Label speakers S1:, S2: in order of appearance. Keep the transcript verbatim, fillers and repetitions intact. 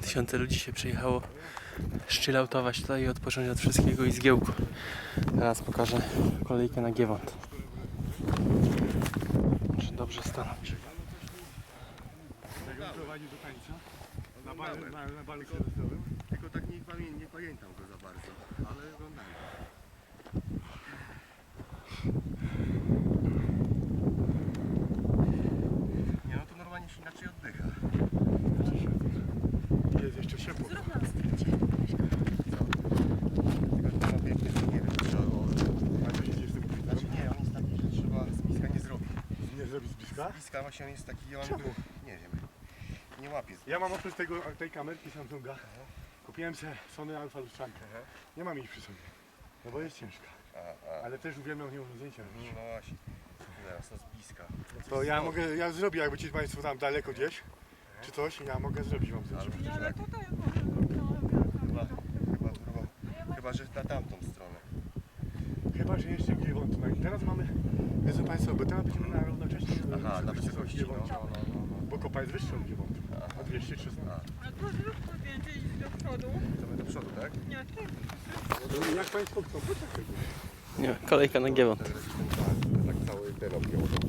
S1: tysiące ludzi się przyjechało chilloutować tutaj i odpocząć od wszystkiego i zgiełku. Teraz pokażę kolejkę na Giewont. Muszę dobrze stanąć.
S2: Prowadzi do tańca na balu, na, na balu serwisowym.
S3: Tylko tak nie, pamię nie pamiętam go za bardzo, ale oglądałem. Nie no to normalnie się inaczej oddycha.
S2: Jest jeszcze ciepło.
S4: Zrób nam zdjęcie.
S3: Tylko to ma piękny, nie wiem czy on...
S2: A co się dzieje z tym
S3: Znaczy
S2: znaczy,
S3: nie, on jest taki, że trzeba z bliska nie zrobić.
S2: nie zrobi z bliska?
S3: Z bliska właśnie on jest taki, on...
S2: Czemu?
S3: Nie wiem. Nie łapie z
S2: Ja mam oprócz tego, tej kamerki Samsunga, kupiłem sobie Sony Alpha lustrzankę.
S3: Aha.
S2: Nie mam jej przy sobie, no bo jest ciężka.
S3: A, a.
S2: Ale też uwielbiam nią zdjęcia robić.
S3: No właśnie. Zaraz, to z bliska.
S2: To ja mogę, ja zrobię, jakby ci Państwo tam daleko gdzieś, czy coś, ja mogę zrobić Wam zdjęcie.
S4: No ale tutaj
S3: Chyba, chyba, chyba, chyba, że na tamtą stronę.
S2: Chyba, że jeszcze Giewont. No i teraz mamy, wiedzą Państwo, bo teraz będziemy na równocześnie
S3: Aha, na wysokości, no,
S2: Giewoncie.
S3: no, no, no, no.
S2: Bo kopa jest wyższa od Giewontu, o dwieście trzysta.
S4: A to zróbmy zdjęcie idź do przodu.
S3: To my do przodu, tak?
S4: Nie, ty.
S2: No, jak Państwo chcą, to tak.
S1: Nie, kolejka na Giewont.
S3: Tak cały ten objął.